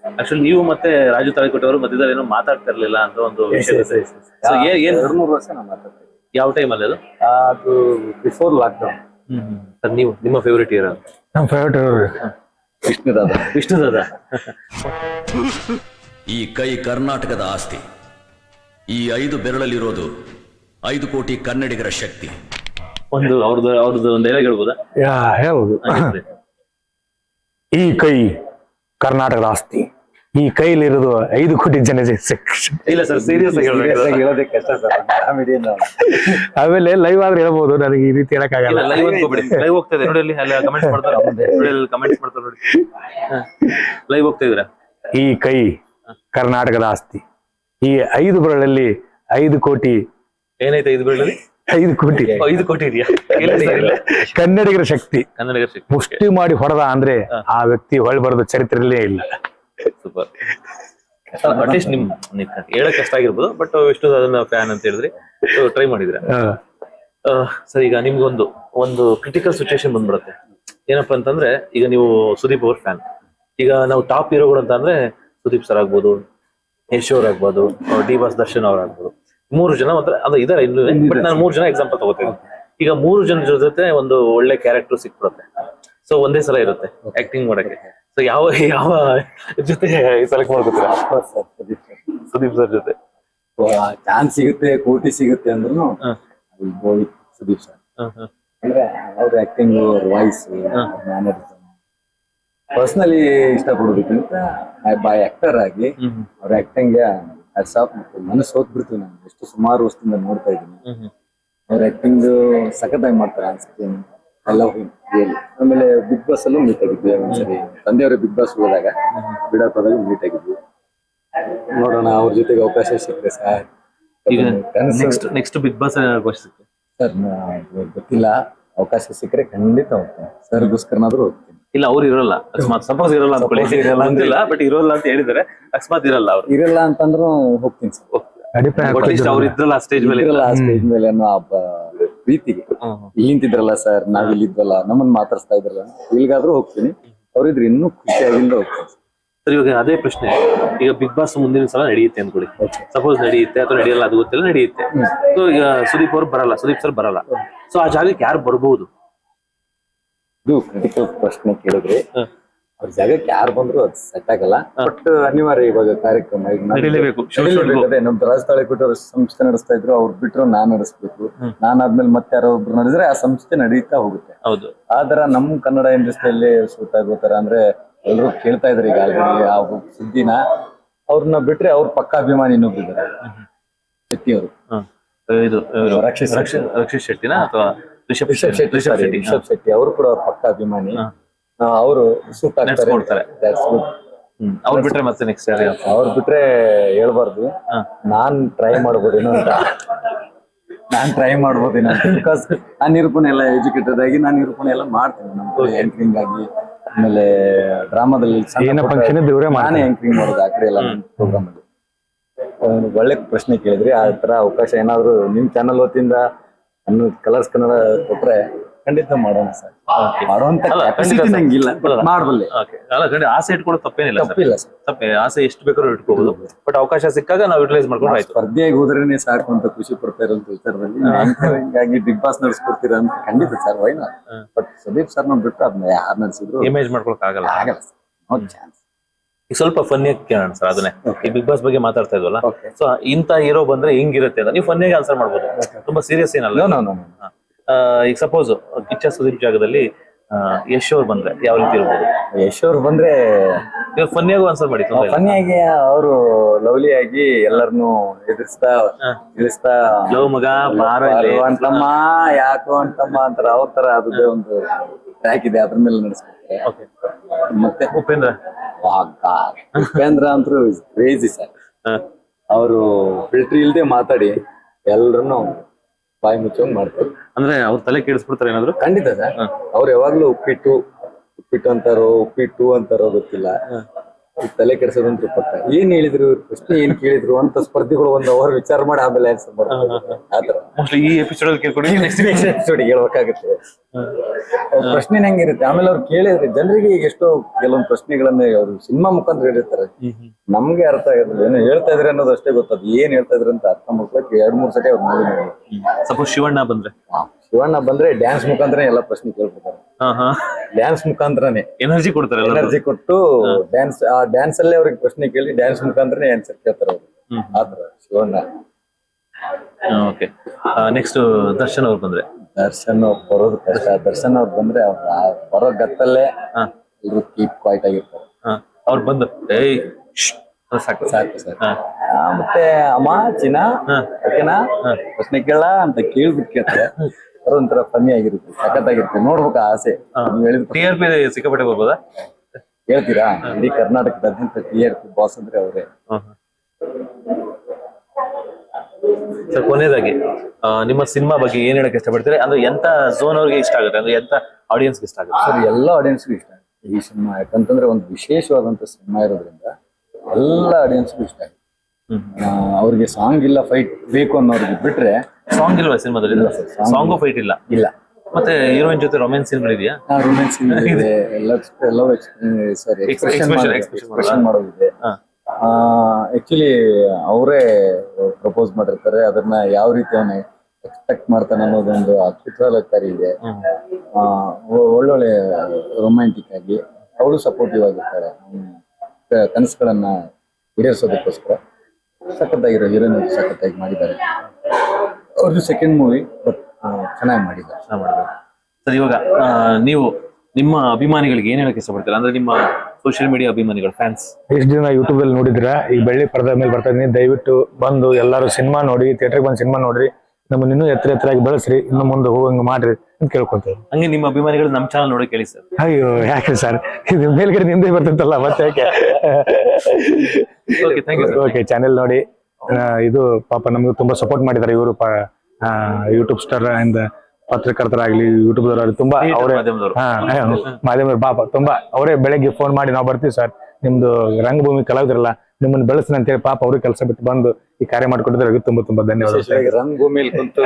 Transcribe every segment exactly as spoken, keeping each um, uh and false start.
Actually ನೀವು ಮತ್ತೆ ರಾಜು ತಾಳಿಕೋಟೆ ಅವರು ಮಧ್ಯದಲ್ಲಿ ಏನೋ ಮಾತಾಡ್ತಾ ಇರ್ಲಿಲ್ಲ ಅಂತ ಒಂದು ವಿಷಯ ಇದೆ. ಸೊ ಏನ್ ಏನ್ ಎರಡು ಮೂರು ವರ್ಷ ನಾವು ಮಾತಾಡ್ತೀವಿ. ಯಾವ ಟೈಮ್ ಅಲ್ಲಿ ಅದು? ಅದು ಬಿಫೋರ್ ಲಾಕ್ಡೌನ್. ಸರ್ ನೀವು ನಿಮ್ಮ ಫೇವರೇಟ್ ಹೀರೋ? ನಮ್ಮ ಫೇವರೇಟ್ ವಿಷ್ಣು ದಾದ. ವಿಷ್ಣು ದಾದ. ಈ ಕೈ ಕರ್ನಾಟಕದ ಆಸ್ತಿ. ಈ ಐದು ಬೆರಳಲ್ಲಿರೋದು ಐದು ಕೋಟಿ ಕನ್ನಡಿಗರ ಶಕ್ತಿ. ಒಂದು ಅವ್ರದ್ದು ಅವ್ರದ್ದು ಒಂದು ಡೈಲಾಗ್ ಹೇಳ್ಬೋದಾ? ಹೇಳ್ಬೋದು. ಈ ಕೈ ಕರ್ನಾಟಕದ ಆಸ್ತಿ, ಈ ಕೈಲಿರೋದು ಐದು ಕೋಟಿ ಜನ. ಇಲ್ಲ ಸರ್, ಸೀರಿಯಸ್ ಆಗಿ ಹೇಳೋದೇ ಕಷ್ಟ ಸರ್. ಆಮೇಲೆ ಲೈವ್ ಆದ್ರೆ ಹೇಳ್ಬೋದು, ನನಗೆ ಈ ರೀತಿ ಹೇಳಕ್ಕಾಗಲ್ಲ. ಲೈವ್ ಅನ್ಕೋಬೇಡಿ, ಲೈವ್ ಹೋಗ್ತಾ ಇದೆ ನೋಡಿ, ಅಲ್ಲಿ ಅಲ್ಲಿ ಕಮೆಂಟ್ಸ್ ಮಾಡ್ತಾರೆ ನೋಡಿ, ಕಮೆಂಟ್ಸ್ ಮಾಡ್ತಾರೆ ನೋಡಿ. ಲೈವ್ ಹೋಗ್ತಾ ಇದ್ರ. ಈ ಕೈ ಕರ್ನಾಟಕದ ಆಸ್ತಿ, ಈ ಐದು ಬೆರಳಲ್ಲಿ ಐದು ಕೋಟಿ. ಏನೈತೆ ಐದು ಬೆರಳಲ್ಲಿ? ಐದು ಕೋಟಿ. ಐದು ಕೋಟಿ ಇದೆಯಾ? ಕನ್ನಡಿಗರ ಶಕ್ತಿ. ಕನ್ನಡಿಗರ ಶಕ್ತಿ. ಮುಷ್ಟಿ ಮಾಡಿ ಹೊಡೆದ ಅಂದ್ರೆ ಆ ವ್ಯಕ್ತಿ ಹೊಳ್ ಬರೋದು ಚರಿತ್ರೆಯಲ್ಲೇ ಇಲ್ಲ. ಸೂಪರ್. ಅಟ್ಲೀಸ್ಟ್ ನಿಮ್ ಹೇಳಕ್ ಕಷ್ಟ ಆಗಿರ್ಬೋದು, ಬಟ್ ವಿಷ್ಣು ಅದನ್ನ ಫ್ಯಾನ್ ಅಂತ ಹೇಳಿದ್ರಿ, ಟ್ರೈ ಮಾಡಿದ್ರೆ. ಸರ್, ಈಗ ನಿಮ್ಗೊಂದು ಒಂದು ಕ್ರಿಟಿಕಲ್ ಸಿಚುವೇಶನ್ ಬಂದ್ಬಿಡುತ್ತೆ. ಏನಪ್ಪಾ ಅಂತಂದ್ರೆ, ಈಗ ನೀವು ಸುದೀಪ್ ಅವ್ರ ಫ್ಯಾನ್. ಈಗ ನಾವು ಟಾಪ್ ಹೀರೋಗಳು ಅಂತ ಅಂದ್ರೆ ಸುದೀಪ್ ಸರ್ ಆಗ್ಬೋದು, ಯಶ್ ಅವ್ರ ಆಗ್ಬೋದು, ಡಿ ಬಾಸ್ ದರ್ಶನ್ ಅವ್ರ ಆಗ್ಬೋದು. ಮೂರು ಜನ ಒಂಥರ ಅದು ಇದಾರೆ ಇನ್ನು, ಬಟ್ ನಾನು ಮೂರು ಜನ ಎಕ್ಸಾಂಪಲ್ ತಗೋತೀನಿ. ಈಗ ಮೂರು ಜನರ ಜೊತೆ ಒಂದು ಒಳ್ಳೆ ಕ್ಯಾರೆಕ್ಟರ್ ಸಿಕ್ಬಿಡುತ್ತೆ. ಸೊ ಒಂದೇ ಸಲ ಇರುತ್ತೆ ಆಕ್ಟಿಂಗ್ ಮಾಡಕ್ಕೆ. ಸೊ ಯಾವ ಯಾವ ಜೊತೆ ಸೆಲೆಕ್ಟ್ ಮಾಡ್ಕೋತೀರಾ? ಸುದೀಪ್ ಸರ್ ಜೊತೆ ಚಾನ್ಸ್ ಸಿಗುತ್ತೆ, ಕೋಟಿ ಸಿಗುತ್ತೆ ಅಂದ್ರೂ ಸುದೀಪ್ ಸರ್. ಅಂದ್ರೆ ಅವ್ರ ಆಕ್ಟಿಂಗ್, ಅವ್ರ ವಾಯ್ಸ್, ಮ್ಯಾನರಿಸಮ್ ಪರ್ಸನಲಿ ಇಷ್ಟಪಡೋದಕ್ಕಿಂತ ಬೈ ಆಕ್ಟರ್ ಆಗಿ ಅವ್ರ ಆಕ್ಟಿಂಗ್ ಮನಸ್ಸು ಹೋಗ್ಬಿಡ್ತೀವಿ. ನಾನು ಎಷ್ಟು ಸುಮಾರು ವರ್ಷದಿಂದ ನೋಡ್ತಾ ಇದ್ದೀನಿ. ಅವ್ರ ಆಕ್ಟಿಂಗ್ ಸಖತ್ತಾಗಿ ಮಾಡ್ತಾರೆ ಅನ್ಸುತ್ತೆ. I love him really. ಆಮೇಲೆ ಬಿಗ್ ಬಾಸ್ ಅಲ್ಲೂ ಮೀಟ್ ಆಗಿದ್ವಿ ಒಂದ್ಸರಿ. ತಂದೆಯವರು ಬಿಗ್ ಬಾಸ್ ಹೋದಾಗ ಬಿಡಾಪದಲ್ಲಿ ಮೀಟ್ ಆಗಿದ್ವಿ. ನೋಡೋಣ ಅವ್ರ ಜೊತೆಗೆ ಅವಕಾಶ ಸಿಕ್ಕರೆ ಸರ್. ಈಗ ನೆಕ್ಸ್ಟ್ ನೆಕ್ಸ್ಟ್ ಬಿಗ್ ಬಾಸ್ ಅವಕಾಶ ಸಿಕ್ಕರೆ ಸರ್ ಗೊತ್ತಿಲ್ಲ, ಅವಕಾಶ ಸಿಕ್ಕರೆ ಖಂಡಿತ ಹೋಗ್ತೀನಿ. ಸರ್ಗೋಸ್ಕರನಾದ್ರೂ ಹೋಗ್ತೀನಿ. ಇಲ್ಲ, ಅವ್ರು ಇರೋಲ್ಲ, ಅಕಸ್ಮಾತ್ ಸಪೋಸ್ ಇರೋಲ್ಲ ಅನ್ಕೊಳ್ಳಿ, ಅಂತಿಲ್ಲ ಬಟ್ ಇರೋಲ್ಲ ಅಂತ ಹೇಳಿದಾರೆ. ಅಕಸ್ಮಾತ್ ಇರಲ್ಲ, ಅವ್ರು ಇರಲ್ಲ ಅಂತಂದ್ರು ಹೋಗ್ತೀನಿ ಸರ್. ಅವ್ರು ಇದ್ರಲ್ಲ ಸ್ಟೇಜ್ ಮೇಲೆ, ಆ ಸ್ಟೇಜ್ ಮೇಲೆ ಅನ್ನೋ ಪ್ರೀತಿಗೆ ಇಲ್ಲಿಂತಿದ್ರಲ್ಲ ಸರ್, ನಾವ್ ಇಲ್ಲಿದ್ವಲ್ಲ, ನಮ್ಮನ್ನ ಮಾತಾಡ್ಸ್ತಾ ಇದ್ರಲ್ಲ, ಇಲ್ಲಿಗಾದ್ರೂ ಹೋಗ್ತೀನಿ. ಅವ್ರಿದ್ರೆ ಇನ್ನೂ ಖುಷಿಯಾಗಿಂದ ಹೋಗ್ತೀನಿ ಸರ್. ಇವಾಗ ಅದೇ ಪ್ರಶ್ನೆ, ಈಗ ಬಿಗ್ ಬಾಸ್ ಮುಂದಿನ ಸಲ ನಡೆಯುತ್ತೆ ಅನ್ಕೊಳ್ಳಿ, ಸಪೋಸ್ ನಡೆಯುತ್ತೆ ಅಥವಾ ನಡೆಯಲ್ಲ ಅದು ಗೊತ್ತಿಲ್ಲ, ನಡೆಯುತ್ತೆ. ಸೊ ಈಗ ಸುದೀಪ್ ಅವ್ರು ಬರಲ್ಲ, ಸುದೀಪ್ ಸರ್ ಬರಲ್ಲ. ಸೊ ಆ ಜಾಗಕ್ಕೆ ಯಾರು ಬರ್ಬೋದು? ಇದು ಕ್ರಿಟಿಕಲ್ ಪ್ರಶ್ನೆ ಕೇಳಿದ್ರೆ, ಅವ್ರ ಜಾಗಕ್ಕೆ ಯಾರು ಬಂದ್ರು ಅದು ಸೆಟ್ ಆಗಲ್ಲ. ಬಟ್ ಅನಿವಾರ್ಯ, ಇವಾಗ ಕಾರ್ಯಕ್ರಮ ಅದೇ ನಮ್ ರಾಜ್ ತಾಳಿಕೋಟೆ ಅವ್ರ ಸಂಸ್ಥೆ ನಡೆಸ್ತಾ ಇದ್ರು, ಅವ್ರು ಬಿಟ್ರು ನಾನ್ ನಡೆಸ್ಬೇಕು. ನಾನ್ ಆದ್ಮೇಲೆ ಮತ್ತೆ ಯಾರೋ ಒಬ್ರು ನಡೆಸಿದ್ರೆ ಆ ಸಂಸ್ಥೆ ನಡೀತಾ ಹೋಗುತ್ತೆ. ಹೌದು. ಆತರ ನಮ್ ಕನ್ನಡ ಇಂಡಸ್ಟ್ರಿಯಲ್ಲಿ ಸೂಟ್ ಆಗೋತರ ಅಂದ್ರೆ ಎಲ್ರು ಕೇಳ್ತಾ ಇದ್ರು ಈಗ ಆಲ್ರೆಡಿ ಆ ಸುದ್ದಿನ. ಅವ್ರನ್ನ ಬಿಟ್ರೆ ಅವ್ರ ಪಕ್ಕ ಅಭಿಮಾನಿ ಇನ್ನೊಬ್ರು ಇದ್ದಾರೆ, ಶೆಟ್ಟಿ ಅವರು. ಇದು ರಕ್ಷಿತ್ ರಕ್ಷಿತ್ ಶೆಟ್ಟಿನ ಅಥವಾ ರಿಷಬ್ ಶೆಟ್ಟಿ? ರಿಷಬ್ ಶೆಟ್ಟಿ ಅವರು ಕೂಡ ಅವ್ರ ಪಕ್ಕ ಅಭಿಮಾನಿ. ಅವರು ಸೂಟ್ ಆಗ್ತಾರೆ. ಅವ್ರು ಬಿಟ್ರೆ ಮತ್ತೆ ನೆಕ್ಸ್ಟ್ ಯಾರು? ಅವ್ರು ಬಿಟ್ರೆ ಹೇಳ್ಬಾರ್ದು, ನಾನ್ ಟ್ರೈ ಮಾಡ್ಬೋದೇನೋ ಅಂತ. ನಾನ್ ಟ್ರೈ ಮಾಡ್ಬೋದೇನೋ ಅಂತ. ಬಿಕಾಸ್ ನಾನ್ ನಿರೂಪಣೆ ಎಲ್ಲ ಎಜುಕೇಟೆಡ್ ಆಗಿ ನಾನು ನಿರೂಪಣೆ ಎಲ್ಲ ಮಾಡ್ತೀನಿ. ನಮ್ಗೆ ಆಂಕರಿಂಗ್ ಆಗಿ, ಆಮೇಲೆ ಡ್ರಾಮಾದಲ್ಲಿ ನಾನೇ ಆಂಕರಿಂಗ್ ಮಾಡೋದು ಆ ಕಡೆ ಎಲ್ಲ ಪ್ರೋಗ್ರಾಮ್ ಅಲ್ಲಿ. ಒಳ್ಳೆ ಪ್ರಶ್ನೆ ಕೇಳಿದ್ರಿ. ಆ ತರ ಅವಕಾಶ ಏನಾದ್ರು ನಿಮ್ ಚಾನಲ್ ವತಿಯಿಂದ ಅನ್ನೋ ಕಲರ್ಸ್ ಕನ್ನಡ ಕೊಟ್ರೆ ಖಂಡಿತ ಮಾಡೋಣ ಸರ್. ಮಾಡುವಂತ ನಂಗಿಲ್ಲ, ಮಾಡಬಲ್ಲೆ. ಆಸೆ ಇಟ್ಕೊಳ್ಳೋ ತಪ್ಪೇನಿಲ್ಲ, ತಪ್ಪಿಲ್ಲ ಸರ್. ತಪ್ಪೇ, ಆಸೆ ಎಷ್ಟು ಬೇಕಾದ್ರೂ ಇಟ್ಕೋಬಹುದು. ಬಟ್ ಅವಕಾಶ ಸಿಕ್ಕಾಗ ನಾವು ಯುಟಿಲೈಸ್ ಮಾಡ್ಕೊಂಡು ಆಯ್ತು. ಸ್ಪರ್ಧೆಯಾಗಿ ಹೋದ್ರೇನೆ ಸಾಕು ಅಂತ ಖುಷಿ ಪಡ್ತಾ ಇರೋಂತ ವಿಚಾರದಲ್ಲಿ ಹಿಂಗಾಗಿ ಬಿಗ್ ಬಾಸ್ ನಡೆಸ್ಕೊಡ್ತೀರಾ ಅಂತ ಖಂಡಿತ sir, why not. But Sudeep sir ನ ಬಿಟ್ಟು ಅದನ್ನ ಯಾರು ನಡೆಸಿದ್ರು ಇಮೇಜ್ ಮಾಡ್ಕೊಳಕ್ ಆಗಲ್ಲ, ಆಗಲ್ಲ ಸರ್. No chance. ಈಗ ಸ್ವಲ್ಪ ಫನ್ನಿಯಾಗಿ ಕೇಳೋಣ ಸರ್ ಅದನ್ನೇ. ಈ ಬಿಗ್ ಬಾಸ್ ಬಗ್ಗೆ ಮಾತಾಡ್ತಾ ಇದ್ವಲ್ಲ, ಸೊ ಇಂತ ಹೀರೋ ಬಂದ್ರೆ ಹಿಂಗಿರುತ್ತೆ ಅಂತ ನೀವು ಫನ್ನಿಯಾಗಿ ಆನ್ಸರ್ ಮಾಡ್ಬೋದು, ತುಂಬಾ ಸೀರಿಯಸ್ ಏನಲ್ಲ. ಈಗ ಸಪೋಸ್ ಕಿಚ್ಚ ಸುದೀಪ್ ಜಾಗದಲ್ಲಿ ಯಶ್ ಅವ್ರು ಬಂದ್ರೆ ಯಾವ ರೀತಿ ಇರ್ಬೋದು? ಯಶ್ ಅವ್ರು ಬಂದ್ರೆ ಫನ್ನಿಯಾಗೂ ಆನ್ಸರ್ ಮಾಡಿ. ಫನ್ನಿಯಾಗಿ ಅವರು ಲವ್ಲಿ ಆಗಿ ಎಲ್ಲರನ್ನು ಎದುರಿಸ್ತಾ ತಿಳಿಸ್ತಾ, ಲವ್ ಮಗ ಅಂತಮ್ಮ ಯಾಕೋ ಅಂತಮ್ಮ ಅಂತಾರ, ಅವ್ರ ತರ ಅದೇ ಒಂದು ಟ್ರ್ಯಾಕ್ ಇದೆ, ಅದ್ರ ಮೇಲೆ ನಡೆಸ್ಕೊಡ್ತಾರೆ. ಮತ್ತೆ ಉಪೇಂದ್ರ ಉಪೇಂದ್ರ ಅಂತೂ ಕ್ರೇಜಿ ಸರ್. ಅವರು ಫಿಲ್ಟರ್ ಇಲ್ದೆ ಮಾತಾಡಿ ಎಲ್ರನ್ನು ಬಾಯಿ ಮುಚ್ಚೋಂಗ್ ಮಾಡ್ತಾರೆ. ಅಂದ್ರೆ ಅವ್ರ ತಲೆ ಕೇಳಿಸ್ಬಿಡ್ತಾರೆ ಏನಾದ್ರು? ಖಂಡಿತ ಸರ್. ಅವ್ರು ಯಾವಾಗ್ಲೂ ಉಪ್ಪಿಟ್ಟು ಉಪ್ಪಿಟ್ಟು ಅಂತಾರೋ ಉಪ್ಪಿಟ್ಟು ಅಂತಾರೋ ಗೊತ್ತಿಲ್ಲ, ತಲೆ ಕೆಡಿಸೋದಂತೂ ಪಕ್ಕ. ಏನ್ ಹೇಳಿದ್ರು, ಪ್ರಶ್ನೆ ಏನ್ ಕೇಳಿದ್ರು ಅಂತ ಸ್ಪರ್ಧಿಗಳು ಒಂದ್ ಅವರ್ ವಿಚಾರ ಮಾಡಿ ಆಮೇಲೆ ಆನ್ಸರ್ ಮಾಡ್ತಾರೆ. ಆತರ ಈ ಎಪಿಸೋಡ್ ಕೇಳ್ಕೊಂಡು ನೆಕ್ಸ್ಟ್ ಎಪಿಸೋಡ್ ಹೇಳ್ಬೇಕಾಗುತ್ತೆ. ಅವ್ರ ಪ್ರಶ್ನೆ ಹೆಂಗಿರುತ್ತೆ, ಆಮೇಲೆ ಅವ್ರು ಕೇಳಿದ್ರೆ ಜನರಿಗೆ ಈಗ ಎಷ್ಟೋ ಕೆಲವೊಂದು ಪ್ರಶ್ನೆಗಳನ್ನ ಅವರು ಸಿನಿಮಾ ಮುಖಾಂತರ ಹೇಳಿರ್ತಾರೆ, ನಮ್ಗೆ ಅರ್ಥ ಆಗೋದಿಲ್ಲ, ಏನೋ ಹೇಳ್ತಾ ಇದ್ರೆ ಅನ್ನೋದು ಅಷ್ಟೇ ಗೊತ್ತದು, ಏನ್ ಹೇಳ್ತಾ ಇದ್ರೆ ಅಂತ ಅರ್ಥ ಮಾಡ್ಕೊಳಕ್ಕೆ ಎರಡ್ ಮೂರ್ ಸತಿ ಅವ್ರು ನೋಡಿ ನೋಡಿ. ಸಪೋಸ್ ಶಿವಣ್ಣ ಬಂದ್ರೆ ಶಿವಣ್ಣ ಬಂದ್ರೆ ಡ್ಯಾನ್ಸ್ ಮುಖಾಂತರ ಎಲ್ಲ ಪ್ರಶ್ನೆ ಕೇಳ್ಬಿಡ್ತಾರೆ, ಡ್ಯಾನ್ಸ್ ಮುಖಾಂತರನೇ ಎನರ್ಜಿ ಕೊಡ್ತಾರೆ, ಎನರ್ಜಿ ಕೊಟ್ಟು ಡ್ಯಾನ್ಸ್ ಆ ಡ್ಯಾನ್ಸ್ ಅಲ್ಲೇ ಅವ್ರಿಗೆ ಪ್ರಶ್ನೆ ಕೇಳಿ ಡ್ಯಾನ್ಸ್ ಮುಖಾಂತರನೇ ಆನ್ಸರ್ ಕೇಳ್ತಾರೆ ಅವ್ರು. ಆತರ ಶಿವಣ್ಣ. ಓಕೆ, ನೆಕ್ಸ್ಟ್ ದರ್ಶನ್ ಅವ್ರು ಬಂದ್ರೆ ದರ್ಶನ್ ಅವ್ರು ಬರೋದು ಕಷ್ಟ. ದರ್ಶನ್ ಅವ್ರು ಬಂದ್ರೆ ಅವ್ರ ಬರೋ ಗತ್ತಲ್ಲೇ ಎಲ್ರು ಕೀಪ್ ಕ್ವೈಟ್ ಆಗಿರ್ತಾರೆ. ಅವ್ರು ಬಂದು ಏಯ್ ಸಾಕು ಸಾಕು ಸರ್. ಮತ್ತೆ ಅಮ್ಮ ಚಿನ್ನ ಓಕೆನಾ ಪ್ರಶ್ನೆ ಕೇಳ ಅಂತ ಕೇಳ್ಬಿಟ್ಟು ಕೇಳ್ತಾರೆ, ಒಂಥರ ಫನ್ನಿ ಆಗಿರುತ್ತೆ, ಸಖತ್ತಾಗಿರುತ್ತೆ, ನೋಡ್ಬೇಕು ಆಸೆ. ನೀವ್ ಹೇಳಿದ ಟಿ ಆರ್ ಪಿ ಸಿಕ್ಕಾಪಟ್ಟೆ ಬರ್ಬೋದಾ? ಹೇಳ್ತೀರಾ, ಇಡೀ ಕರ್ನಾಟಕದಾದ್ಯಂತ ಟಿ ಆರ್ ಪಿ ಬಾಸ್ ಅಂದ್ರೆ ಅವರೇ. ಸರ್ ಕೊನೆಯದಾಗಿ ನಿಮ್ಮ ಸಿನಿಮಾ ಬಗ್ಗೆ ಏನ್ ಹೇಳಕ್ ಇಷ್ಟಪಡ್ತೀರಿ? ಅಂದ್ರೆ ಎಂತ ಝೋನ್ ಅವ್ರಿಗೆ ಇಷ್ಟ ಆಗುತ್ತೆ, ಅಂದ್ರೆ ಎಂತ ಆಡಿಯನ್ಸ್ ಇಷ್ಟ ಆಗುತ್ತೆ? ಸರ್ ಎಲ್ಲ ಆಡಿಯನ್ಸ್ಗೂ ಇಷ್ಟ ಆಗುತ್ತೆ ಈ ಸಿನಿಮಾ, ಯಾಕಂತಂದ್ರೆ ಒಂದು ವಿಶೇಷವಾದಂತ ಸಿನಿಮಾ ಇರೋದ್ರಿಂದ ಎಲ್ಲ ಆಡಿಯನ್ಸ್ಗೂ ಇಷ್ಟ ಆಗುತ್ತೆ. ಅವ್ರಿಗೆ ಸಾಂಗ್ ಇಲ್ಲ ಫೈಟ್ ಬೇಕು ಅನ್ನೋರಿಗೆ ಬಿಟ್ರೆ ಸಾಂಗ್ ಇಲ್ವಾ ಸಿನಿಮಾದಲ್ಲಿ? ಸಾಂಗು ಫೈಟ್ ಇಲ್ಲ ಇಲ್ಲ. ಮತ್ತೆ ಹೀರೋಯಿನ್ ಜೊತೆ ರೊಮ್ಯಾನ್ಸ್ ಸೀನ್ ಇದೆಯಾ? ರೊಮ್ಯಾನ್ಸ್ ಇದೆ, ಲವ್ ಸಾರಿ ಎಕ್ಸ್ಪ್ರೆಷನ್ ಮಾಡೋದಿದೆ. ಆಕ್ಚುಲಿ ಅವರೇ ಪ್ರಪೋಸ್ ಮಾಡಿರ್ತಾರೆ, ಅದನ್ನ ಯಾವ ರೀತಿ ಅವನ ಎಕ್ಸ್ಪೆಕ್ಟ್ ಮಾಡ್ತಾನೆ ಅನ್ನೋದೊಂದು ಕುತೂಹಲಕಾರಿ ಇದೆ. ಒಳ್ಳೊಳ್ಳೆ ರೊಮ್ಯಾಂಟಿಕ್ ಆಗಿ ಅವಳು ಸಪೋರ್ಟಿವ್ ಆಗಿರ್ತಾರೆ, ಕನಸುಗಳನ್ನ ಈಡೇರಿಸೋದಕ್ಕೋಸ್ಕರ ಸಖತ್ತಾಗಿರೋ ಹೀರೋಯಿನ್ ಸಖತ್ತಾಗಿ ಮಾಡಿದ್ದಾರೆ. ಅವ್ರದ್ದು ಸೆಕೆಂಡ್ ಮೂವಿ ಬಟ್ ಚೆನ್ನಾಗಿ ಮಾಡಿದ್ದಾರೆ. ಸರ್ ಇವಾಗ ನೀವು ನಿಮ್ಮ ಅಭಿಮಾನಿಗಳಿಗೆ ಏನ್ ಹೇಳಕ್ ಇಷ್ಟಪಡ್ತೀರಾ? ಅಂದ್ರೆ ನಿಮ್ಮ ಸೋಷಿಯಲ್ ಮೀಡಿಯಾ ಅಭಿಮಾನಿಗಳು, ಫ್ಯಾನ್ಸ್ ಎಷ್ಟು ದಿನ ಯೂಟ್ಯೂಬ್ ಅಲ್ಲಿ ನೋಡಿದ್ರ, ಈ ಬೆಳ್ಳಿ ಪರದೆ ಮೇಲೆ ಬರ್ತಾ ಇದೀನಿ, ದಯವಿಟ್ಟು ಬಂದು ಎಲ್ಲರೂ ಸಿನಿಮಾ ನೋಡಿ, ಥಿಯೇಟರ್ಗೆ ಬಂದು ಸಿನಿಮಾ ನೋಡ್ರಿ, ನಮ್ಮನ್ನ ಇನ್ನೂ ಎತ್ತರ ಎತ್ತರಾಗಿ ಬೆಳೆಸ್ರಿ, ಇನ್ನು ಮುಂದೆ ಹೋಗಂಗ ಮಾಡ್ರಿ ಅಂತ ಕೇಳ್ಕೊಂತೇವೆ. ಹಂಗೆ ನಿಮ್ಮ ಅಭಿಮಾನಿಗಳು ನಮ್ಮ ಚಾನಲ್ ನೋಡಿ ಕೇಳಿ ಸರ್. ಅಯ್ಯೋ ಯಾಕೆ ಸರ್, ಇದು ಮೇಲ್ಗಡೆ ನಿಂದೆ ಬರ್ತಂತಲ್ಲ ಮತ್ತೆ ಯಾಕೆ? ಓಕೆ, ಚಾನೆಲ್ ನೋಡಿ. ಇದು ಪಾಪ ನಮ್ಗೆ ತುಂಬಾ ಸಪೋರ್ಟ್ ಮಾಡಿದ್ದಾರೆ ಇವರು, ಯೂಟ್ಯೂಬ್ ಸ್ಟಾರ್ ಇಂದ ಪತ್ರಕರ್ತರಾಗ್ಲಿ, ಯೂಟ್ಯೂಬ್ ದವರಾಗ್ಲಿ ತುಂಬಾ ಅವರೇ ಮಾಧ್ಯಮದವ್ರು ಪಾಪ ತುಂಬಾ ಅವರೇ ಬೆಳಗ್ಗೆ ಫೋನ್ ಮಾಡಿ ನಾವು ಬರ್ತೀವಿ ಸರ್, ನಿಮ್ದು ರಂಗಭೂಮಿ ಕಲಾವಿದರಲ್ಲ, ನಿಮ್ಮನ್ನ ಬೆಳೆಸ್ತೀನಿ ಅಂತೇಳಿ ಪಾಪ ಅವ್ರಿಗೆ ಕೆಲಸ ಬಿಟ್ಟು ಬಂದು ಈ ಕಾರ್ಯ ಮಾಡ್ಕೊಟ್ಟಿದ್ರೆ ತುಂಬಾ ತುಂಬಾ ಧನ್ಯವಾದ. ರಂಗಭೂಮಿಯಲ್ಲಿ ಕುಂತು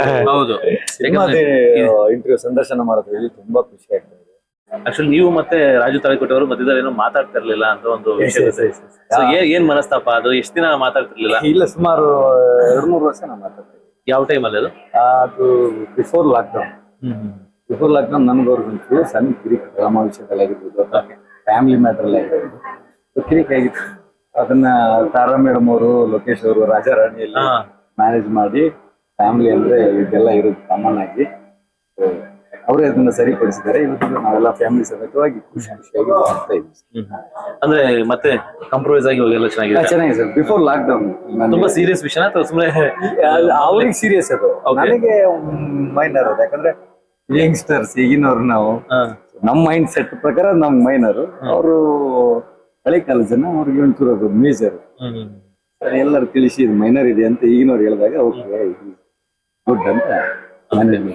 ಇಂಟರ್ವ್ಯೂ ಸಂದರ್ಶನ ಮಾಡೋದ್ರಲ್ಲಿ ತುಂಬಾ ಖುಷಿ ಆಗ್ತದೆ. ಆಕ್ಚುಲಿ ನೀವು ಮತ್ತೆ ರಾಜು ತಾಳಿಕೋಟೆಯವರು ಮಧ್ಯದಲ್ಲಿ ಏನೋ ಮಾತಾಡ್ತಾ ಇರ್ಲಿಲ್ಲ ಅಂತ ಒಂದು ವಿಷಯ ಇದೆ. ಏನ್ ಮನಸ್ತಾಪ ಅದು? ಎಷ್ಟ್ ದಿನ ಮಾತಾಡ್ತಿರ್ಲಿಲ್ಲ? ಇಲ್ಲ, ಸುಮಾರು ಎರಡ್ ಮೂರು ವರ್ಷ ನಾವು ಮಾತಾಡ್ತೀವಿ. ಯಾವ ಟೈಮ್ ಅಲ್ಲಿ ಅದು? ಅದು ಬಿಫೋರ್ ಲಾಕ್ಡೌನ್. ಬಿಫೋರ್ ಲಾಕ್ಡೌನ್ ನನ್ಗವ್ರಿಗಂತೂ ಸಣ್ಣ ಕಿರಿಕ್ ಡ್ರಾಮಾ ವಿಷಯದಲ್ಲಾಗಿರ್ಬೋದು, ಫ್ಯಾಮಿಲಿ ಮ್ಯಾಟರ್ ಅಲ್ಲಿ ಆಗಿರ್ಬೋದು ಕಿರಿಕ್ ಆಗಿತ್ತು. ಅದನ್ನ ತಾರಾ ಮೇಡಮ್ ಅವರು, ಲೋಕೇಶ್ ಅವರು ರಾಜಾರಾಣಿಯಲ್ಲಿ ಮ್ಯಾನೇಜ್ ಮಾಡಿ, ಫ್ಯಾಮಿಲಿ ಅಂದ್ರೆ ಇದೆಲ್ಲ ಇರೋದು ಕಾಮನ್ ಆಗಿ ಅವರೇ ಅದನ್ನ ಸರಿಪಡಿಸಿದ್ದಾರೆ. ಇವತ್ತು ನಾವೆಲ್ಲ ಫ್ಯಾಮಿಲಿ ಸಮೇತವಾಗಿ ಖುಷಿ ಖುಷಿಯಾಗಿ ಮಾಡ್ತಾ ಇದ್ವಿ. ಅಂದ್ರೆ ಮತ್ತೆ ಕಾಂಪ್ರಮೈಸ್ ಆಗಿ ಹೋಗಿ ಎಲ್ಲ ಚೆನ್ನಾಗಿದೆ. ಚೆನ್ನಾಗಿದೆ ಸರ್. ಬಿಫೋರ್ ಲಾಕ್ ಡೌನ್ ತುಂಬಾ ಸೀರಿಯಸ್ ವಿಷಯ ಅಥವಾ ಸುಮ್ಮನೆ? ಅವ್ರಿಗೆ ಸೀರಿಯಸ್ ಅದು, ನನಗೆ ಮೈನರ್ ಅದು. ಯಾಕಂದ್ರೆ ಯಂಗ್ಸ್ಟರ್ಸ್ ಈಗಿನವ್ರು ನಾವು, ನಮ್ ಮೈಂಡ್ ಸೆಟ್ ಪ್ರಕಾರ ನಮ್ ಮೈನರ್, ಅವರು ಹಳೆ ಕಾಲ ಜನ, ಅವ್ರಿಗೆ ಒಂಚೂರು ಅದು ಮೇಜರ್. ಎಲ್ಲರೂ ತಿಳಿಸಿ ಇದು ಮೈನರ್ ಇದೆ ಅಂತ ಈಗಿನವ್ರು ಹೇಳಿದಾಗ ಓಕೆ ಗುಡ್ ಅಂತ ಮನೇಲಿ.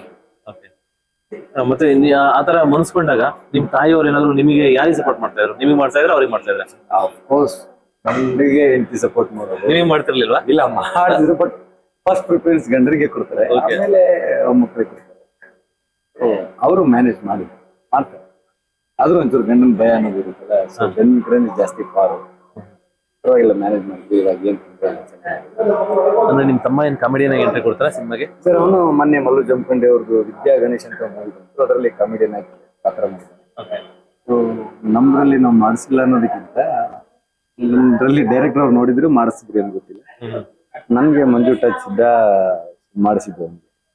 ಮತ್ತೆ ಆತರ ಮನಸ್ಕೊಂಡಾಗ ನಿಮ್ ತಾಯಿಯವ್ರು ಏನಾದ್ರು ನಿಮಗೆ ಯಾರಿಗೆ ಸಪೋರ್ಟ್ ಮಾಡ್ತಾ ಇದ್ರು? ನಿಮಗೆ ಮಾಡ್ತಾ ಇದ್ರೆ ಅವ್ರಿಗೆ ಮಾಡ್ತಾ ಇದ್ರೆ? ಅಫ್ಕೋರ್ಸ್ ಗಂಡಿಗೆ ಹೆಂಡತಿ ಸಪೋರ್ಟ್ ಮಾಡೋದು. ನೀವೇ ಮಾಡ್ತಿರ್ಲಿಲ್ವಾ? ಇಲ್ಲ, ಮಾಡಿದ್ರು, ಬಟ್ ಫಸ್ಟ್ ಪ್ರಿಫರೆನ್ಸ್ ಗಂಡರಿಗೆ ಕೊಡ್ತಾರೆ, ಆಮೇಲೆ ಮಕ್ಕಳಿಗೆ ಕೊಡ್ತಾರೆ. ಅವರು ಮ್ಯಾನೇಜ್ ಮಾಡಿ ಮಾಡ್ತಾರೆ. ಆದ್ರೂ ಒಂಚೂರು ಗಂಡನ ಭಯ ಅನ್ನೋದು ಇರುತ್ತಲ್ಲ, ಸೊ ಗಂಡನ ಕಡೆ ಜಾಸ್ತಿ ಪಾರು ಪರವಾಗಿಲ್ಲ ಮ್ಯಾನೇಜ್ ಮಾಡ್ತೀವಿ. ಇವಾಗ ಏನ್ ಅಂದ್ರೆ ನಿಮ್ ತಮ್ಮ ಏನ್ ಕಾಮಿಡಿಯನ್ ಆಗಿ ಎಂಟ್ರಿ ಕೊಡ್ತಾರ ಸಿನಿಮಾಗೆ? ಸರ್ ಅವನು ಮೊನ್ನೆ ಮಲ್ಲು ಜಂಪಂಡೆ ಅವ್ರದ್ದು ವಿದ್ಯಾ ಗಣೇಶ್ ಅಂತ ಮೂವಿ ಬಂತು, ಅದರಲ್ಲಿ ಕಾಮಿಡಿಯನ್ ಆಗಿ ಪಾತ್ರ ಮಾಡಿದ್ದಾರೆ. ಸೊ ನಮ್ದ್ರಲ್ಲಿ ನಾವು ಮಾಡಿಸಿಲ್ಲ ಅನ್ನೋದಕ್ಕಿಂತ ನಮ್ದ್ರಲ್ಲಿ ಡೈರೆಕ್ಟರ್ ಅವ್ರು ನೋಡಿದ್ರು ಮಾಡಿಸಿದ್ರು ಏನು ಗೊತ್ತಿಲ್ಲ, ನನ್ಗೆ ಮಂಜು ಟಚ್ ಇದ್ದ ಮಾಡಿಸಿದ್ರು.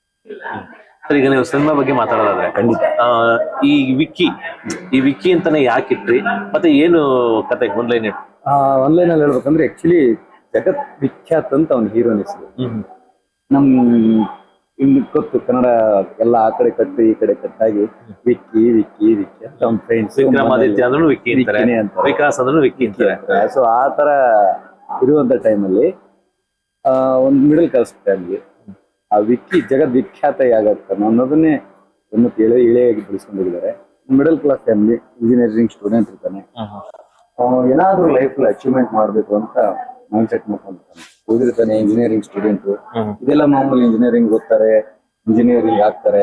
ಸರ್ ಈಗ ನೀವು ಸಿನಿಮಾ ಬಗ್ಗೆ ಮಾತಾಡೋದಾದ್ರೆ ಖಂಡಿತ ಈ ವಿಕ್ಕಿ ಈ ವಿಕ್ಕಿ ಅಂತಾನೆ ಯಾಕೆ ಇಟ್ರಿ, ಮತ್ತೆ ಏನು ಕತೆ ಆನ್ಲೈನ್ ಇಟ್ಟು? ಆನ್ಲೈನ್ ಅಲ್ಲಿ ಹೇಳ್ಬೇಕಂದ್ರೆ ಆಕ್ಚುಲಿ ಜಗತ್ ವಿಖ್ಯಾತ್ ಅಂತ ಅವ್ನ ಹೀರೋನ್ ಹೆಸರು. ನಮ್ ಇನ್ನು ಗೊತ್ತು ಕನ್ನಡ ಎಲ್ಲ ಆ ಕಡೆ ಕಟ್ಟು ಈ ಕಡೆ ಕಟ್ಟಾಗಿ ವಿಕ್ಕಿ ವಿಕ್ಕಿ ವಿಕ್ಕಿ ಅಂತ ಅವ್ನ ಫ್ರೆಂಡ್ಸ್. ವಿಕ್ರಮಾದಿತ್ಯ ಅಂದ್ರೂ ವಿಕ್ಕಿ ಅಂತಾರೆ, ವಿಕಾಸ್ ಅಂದ್ರೂ ವಿಕ್ಕಿ ಅಂತಾರೆ. ಸೊ ಆ ತರ ಇರುವಂತ ಟೈಮಲ್ಲಿ ಆ ಒಂದು ಮಿಡಲ್ ಕ್ಲಾಸ್ ಫ್ಯಾಮಿಲಿ ಆ ವಿಕ್ಕಿ ಜಗತ್ ವಿಖ್ಯಾತ ಯಾಗಾಗ್ತಾನೆ ಅನ್ನೋದನ್ನೇ ಒಂದು ಎಳೆ ಎಳೆಯಾಗಿ ಬೆಳೆಸ್ಕೊಂಡಿದ್ದಾರೆ. Middle class family, engineering student ಇರ್ತಾನೆ, ಏನಾದ್ರೂ ಲೈಫ್ ಅಚೀವ್ಮೆಂಟ್ ಮಾಡ್ಬೇಕು ಅಂತ ಮೈಂಡ್ ಸೆಟ್ ಮಾಡ್ಕೊಂಡಿರ್ತಾನೆ. ಓದಿರ್ತಾನೆ, ಇಂಜಿನಿಯರಿಂಗ್ ಸ್ಟೂಡೆಂಟ್, ಇದೆಲ್ಲ ಮಾಮೂಲಿ. ಇಂಜಿನಿಯರಿಂಗ್ ಓದ್ತಾರೆ, ಇಂಜಿನಿಯರಿಂಗ್ ಆಗ್ತಾರೆ,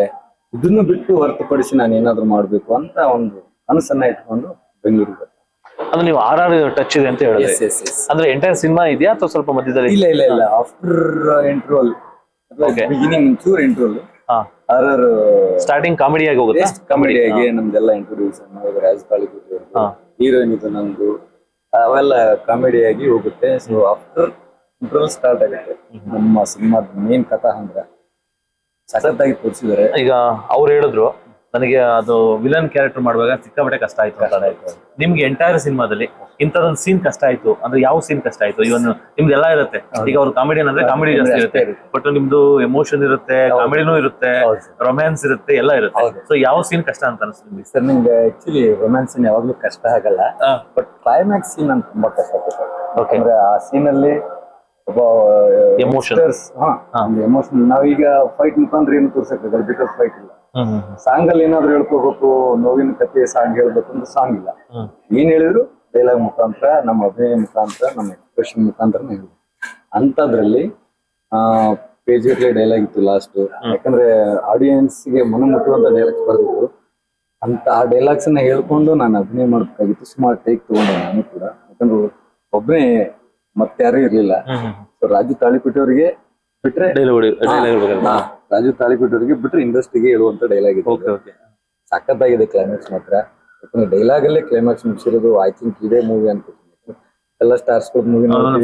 ಇದನ್ನು ಬಿಟ್ಟು ಹೊರತುಪಡಿಸಿ ನಾನು ಏನಾದ್ರು ಮಾಡ್ಬೇಕು ಅಂತ ಒಂದು ಕನಸನ್ನ ಇಟ್ಕೊಂಡು ಬೆಂಗಳೂರಿಗೆ ಬಂದೆ. ಅಂದ್ರೆ ನೀವು ಆರ್ ಆರ್ ಟಚ್ ಇದೆ ಅಂತ ಹೇಳಿದ್ರೆ Yes, yes, yes. ಅಂದ್ರೆ ಎಂಟೈರ್ ಸಿನಿಮಾ ಇದೆಯಾ ಅಥವಾ ಸ್ವಲ್ಪ ಮಧ್ಯದಲ್ಲಿ? ಇಲ್ಲ ಇಲ್ಲ ಇಲ್ಲ ಆಫ್ಟರ್ ಇಂಟರ್ವಲ್ Okay. ಬಿಗಿನಿಂಗ್ ಚೂರ್ ಇಂಟರ್ವಲ್ ಹಾ ಆರ್ ಸ್ಟಾರ್ಟಿಂಗ್ ಕಾಮಿಡಿ ಆಗಿ ಹೋಗುತ್ತೆ. ಕಾಮಿಡಿ ಆಗಿ ನಮ್ದೆಲ್ಲ ಇಂಟ್ರೊಡ್ಯೂಷನ್ ರಾಜ್ ತಾಳಿಕೋಟಿ ಹಾ. ಹೀರೋಯಿನ್ ಇದು ನಂದು ಅವೆಲ್ಲ ಕಾಮಿಡಿ ಆಗಿ ಹೋಗುತ್ತೆ. ಸೊ ಆಫ್ಟರ್ ಇಂಟರ್ವಲ್ ಸ್ಟಾರ್ಟ್ ಆಗುತ್ತೆ ನಮ್ಮ ಸಿನಿಮಾದ ಮೇನ್ ಕಥಾ ಅಂದ್ರೆ ಸಖತ್ತಾಗಿ ತೋರಿಸಿದ್ದಾರೆ. ಈಗ ಅವ್ರು ಹೇಳಿದ್ರು ನನಗೆ ಅದು ವಿಲನ್ ಕ್ಯಾರೆಕ್ಟರ್ ಮಾಡುವಾಗ ಸಿಕ್ಕಾಪಟ್ಟೆ ಕಷ್ಟ ಆಯ್ತು ಅಂತ. ನಿಮ್ಗೆ ಎಂಟೈರ್ ಸಿನಿಮಾದಲ್ಲಿ ಇಂಥದೊಂದು ಸೀನ್ ಕಷ್ಟ ಆಯ್ತು ಅಂದ್ರೆ ಯಾವ ಸೀನ್ ಕಷ್ಟ ಆಯ್ತು? ಇವನ್ ನಿಮ್ದು ಎಲ್ಲ ಇರುತ್ತೆ. ಈಗ ಅವ್ರು ಕಾಮಿಡಿಯನ್ ಅಂದ್ರೆ ಕಾಮಿಡಿ ಜಾಸ್ತಿ ಇರುತ್ತೆ, ಬಟ್ ನಿಮ್ದು ಎಮೋಷನ್ ಇರುತ್ತೆ, ಕಾಮಿಡಿನೂ ಇರುತ್ತೆ, ರೊಮ್ಯಾನ್ಸ್ ಇರುತ್ತೆ, ಎಲ್ಲ ಇರುತ್ತೆ. ಸೊ ಯಾವ ಸೀನ್ ಕಷ್ಟ ಅಂತ ಅನಿಸ್ತು ನಿಮ್ಗೆ? ಸರ್ ನಿಮ್ಗೆ ಆಕ್ಚುಲಿ ರೊಮ್ಯಾನ್ಸ್ ಸೀನ್ ಯಾವಾಗ್ಲೂ ಕಷ್ಟ ಆಗಲ್ಲ, ಬಟ್ ಕ್ಲೈಮ್ಯಾಕ್ಸ್ ಸೀನ್ ಅಂತ ತುಂಬಾ ಕಷ್ಟ ಆಗುತ್ತೆ. ಅಂದ್ರೆ ಆ ಸೀನ್ ಅಲ್ಲಿ ಒಬ್ಬ ಎಮೋಷನ್ ಎಮೋಷನ್ ನಾವೀಗ ಫೈಟ್ ಮುಖಾಂತರ ಏನು ತೋರ್ಸಕ್ಕಾಗಲ್ಲ, ಬಿಕಾಸ್ ಫೈಟ್ ಇಲ್ಲ. ಸಾಂಗ್ ಅಲ್ಲಿ ಏನಾದ್ರು ಹೇಳ್ಕೋಬೇಕು, ನೋವಿನ ಕಥೆ ಸಾಂಗ್ ಹೇಳ್ಬೇಕು ಅಂದ್ರೆ ಸಾಂಗ್ ಇಲ್ಲ. ಏನ್ ಹೇಳಿದ್ರು ಡೈಲಾಗ್ ಮುಖಾಂತರ, ನಮ್ಮ ಅಭಿನಯ ಮುಖಾಂತರ, ನಮ್ಮ ಎಕ್ಸ್ಪ್ರೆಷನ್ ಮುಖಾಂತರ ಹೇಳ್ಬೇಕು. ಅಂತದ್ರಲ್ಲಿ ಆ ಪೇಜ್ ಗಟ್ಲೆ ಡೈಲಾಗ್ ಇತ್ತು ಲಾಸ್ಟ್. ಯಾಕಂದ್ರೆ ಆಡಿಯನ್ಸ್ ಗೆ ಮನ ಮುಟ್ಟುವಂತ ಡೈಲಾಗ್ಸ್ ಬರ್ತಿದ್ರು. ಅಂತ ಆ ಡೈಲಾಗ್ಸ್ ಅನ್ನ ಹೇಳ್ಕೊಂಡು ನಾನು ಅಭಿನಯ ಮಾಡ್ಬೇಕಾಗಿತ್ತು. ಸುಮಾರು ಟೇಕ್ ತಗೊಂಡೆ ನಾನು ಕೂಡ, ಯಾಕಂದ್ರೆ ಒಬ್ಬನೇ ಮತ್ತೆ ಯಾರು ಇರ್ಲಿಲ್ಲ. ಸೊ ರಾಜು ತಾಳಿಕೋಟಿ ಅವರಿಗೆ ಬಿಟ್ರೆ ರಾಜು ತಾಳಿಕೋಟಿ ಅವರಿಗೆ ಬಿಟ್ರೆ ಇಂಡಸ್ಟ್ರಿಗೆ ಹೇಳುವಂತ ಡೈಲಾಗ್ ಇದೆ. ಸಖತ್ತಾಗಿದೆ ಕ್ಲೈಮ್ಯಾಕ್ಸ್ ಮಾತ್ರ. ಯಾಕಂದ್ರೆ ಡೈಲಾಗ್ ಅಲ್ಲೇ ಕ್ಲೈಮ್ಯಾಕ್ಸ್ ಮುಗಿಸಿರೋದು ಐ ಥಿಂಕ್ ಇದೇ ಮೂವಿ ಅನ್ಕೋತೀನಿ. ಎಲ್ಲ ಸ್ಟಾರ್ಸ್ ಮೂವಿ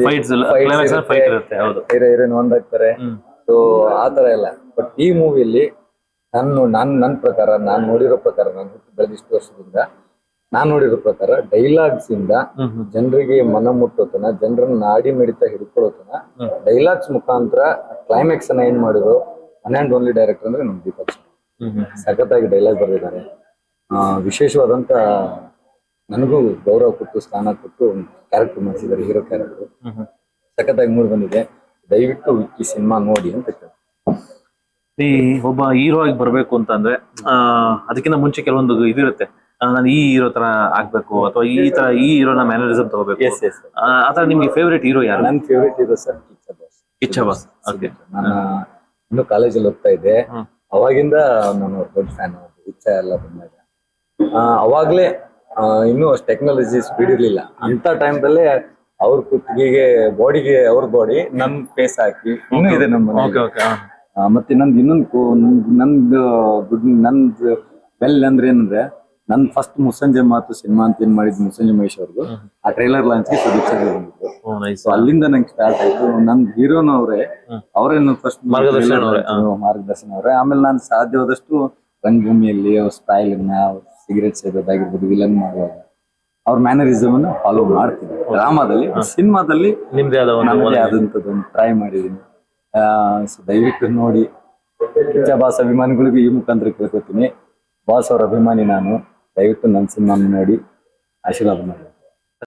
ಹೀರೋ ಹೀರೋಯಿನ್ ಒಂದಾಗ್ತಾರೆ. ಸೊ ಆತರ ಎಲ್ಲ. ಬಟ್ ಈ ಮೂವಿಯಲ್ಲಿ ನಾನು ನಾನ್ ನನ್ನ ಪ್ರಕಾರ ನಾನ್ ನೋಡಿರೋ ಪ್ರಕಾರ ನಾನು ಹುಟ್ಟು ಬೆಳೆದಿಷ್ಟು ವರ್ಷದಿಂದ ನಾನ್ ನೋಡಿರೋ ಪ್ರಕಾರ ಡೈಲಾಗ್ಸ್ ಇಂದ ಜನರಿಗೆ ಮನ ಮುಟ್ಟೋತನ, ಜನರನ್ನ ನಾಡಿ ಮಿಡಿತ ಹಿಡ್ಕೊಳ್ಳೋತನ ಡೈಲಾಗ್ಸ್ ಮುಖಾಂತರ ಕ್ಲೈಮ್ಯಾಕ್ಸ್ ಅನ್ನ ಏನ್ ಮಾಡಿದ್ರು ಒನ್ ಅಂಡ್ ಓನ್ಲಿ ಡೈರೆಕ್ಟರ್ ಅಂದ್ರೆ ನಮ್ ದೀಪಕ್ ಸಖತ್ತಾಗಿ ಡೈಲಾಗ್ ಬರೆದಿದ್ದಾರೆ. ಆ ವಿಶೇಷವಾದಂತ ನನಗೂ ಗೌರವ ಕೊಟ್ಟು ಸ್ಥಾನ ಕೊಟ್ಟು ಕ್ಯಾರೆಕ್ಟರ್ ಮಾಡಿಸಿದ್ದಾರೆ, ಹೀರೋ ಕ್ಯಾರೆಕ್ಟರ್ ಸಖತ್ತಾಗಿ ಮೂಡ್ ಬಂದಿದೆ. ದಯವಿಟ್ಟು ಈ ಸಿನಿಮಾ ನೋಡಿ ಅಂತ ಕೇಳಿ. ಈ ಒಬ್ಬ ಹೀರೋ ಆಗಿ ಬರ್ಬೇಕು ಅಂತಂದ್ರೆ ಆ ಅದಕ್ಕಿಂತ ಮುಂಚೆ ಕೆಲವೊಂದು ಇದಿರುತ್ತೆ, ನಾನು ಈ ಹೀರೋ ತರ ಆಗ್ಬೇಕು ಅಥವಾ ಈ ತರ ಈ ಹೀರೋನ ಮ್ಯಾನರಿಸಮ್ ತಗೋಬೇಕು. ಆತರ ನಿಮ್ಗೆ ಫೇವರೇಟ್ ಹೀರೋ ಯಾರು? ನನ್ನ favourite hero sir Kichcha boss. Kichcha boss. Okay. ನಾನು ಇನ್ನು ಕಾಲೇಜಲ್ಲಿ ಓದ್ತಾ ಇದ್ದೆ, ಅವಾಗಿಂದ ನಾನು ದೊಡ್ಡ ಫ್ಯಾನ್. ಕಿಚ್ಚ ಎಲ್ಲ ಬಂದಾಗ ಅವಾಗ್ಲೇ ಇನ್ನೂ ಅಷ್ಟು ಟೆಕ್ನಾಲಜಿ ಸ್ಪೀಡ್ ಇರ್ಲಿಲ್ಲ. ಅಂತ ಟೈಮ್ದಲ್ಲೇ ಅವ್ರ ಕುತ್ತಿಗೆಗೆ ಬಾಡಿಗೆ ಅವ್ರ ಬಾಡಿ ನನ್ ಫೇಸ್ ಹಾಕಿ ಇನ್ನೂ ಇದೆ ನಮ್ಮ. ಮತ್ತೆ ನಂದು ಇನ್ನೊಂದು ನಂದು ನಂದು ಬೆಲ್ ಅಂದ್ರೆ ಏನಂದ್ರೆ ನನ್ ಫಸ್ಟ್ ಮುಸ್ಸಂಜೆ ಮಾತು ಸಿನಿಮಾ ಅಂತ ಏನ್ ಮಾಡಿದ್ ಮುಸ್ಸಂಜೆ ಮಹೇಶ್ ಅವ್ರದ್ದು ಆ ಟ್ರೈಲರ್ ಲಾಂಚ್ ಗೆ ಸದಸ್ಯರು ಬಂದಿದ್ರು. ಸೊ ಅಲ್ಲಿಂದ ನಂಗೆ ಸ್ಟಾರ್ಟ್ ಆಯ್ತು. ನನ್ ಹೀರೋನ ಅವರೇ ಅವರೇ ಫಸ್ಟ್ ಮಾರ್ಗದರ್ಶನ ಅವರೇ. ಆಮೇಲೆ ನಾನು ಸಾಧ್ಯವಾದಷ್ಟು ರಂಗಭೂಮಿಯಲ್ಲಿ ಅವ್ರ ಸ್ಟೈಲ್ ಅವ್ರ ಸಿಗರೇಟ್ ಸೇದೋದಾಗಿರ್ಬೋದು, ವಿಲನ್ ಮಾಡುವಾಗ ಅವ್ರ ಮ್ಯಾನರಿಸಮ್ ಅನ್ನ ಫಾಲೋ ಮಾಡ್ತೀನಿ. ಡ್ರಾಮಾದಲ್ಲಿ, ಸಿನಿಮಾದಲ್ಲಿ ನಿಮ್ದೇ ಆದಂತದ್ದು ಟ್ರೈ ಮಾಡಿದೀನಿ. ಸೊ ದಯವಿಟ್ಟು ನೋಡಿ. ಕಿಚ್ಚ ಬಾಸ್ ಅಭಿಮಾನಿಗಳಿಗೂ ಈ ಮುಖಾಂತರ ಕೇಳ್ಕೊತೀನಿ, ಬಾಸ್ ಅವ್ರ ಅಭಿಮಾನಿ ನಾನು. ದಯವಿಟ್ಟು ನನ್ನ ಸಿನಿಮಾ ನೋಡಿ ಆಶೀರ್ವಾದ ಮಾಡಿ.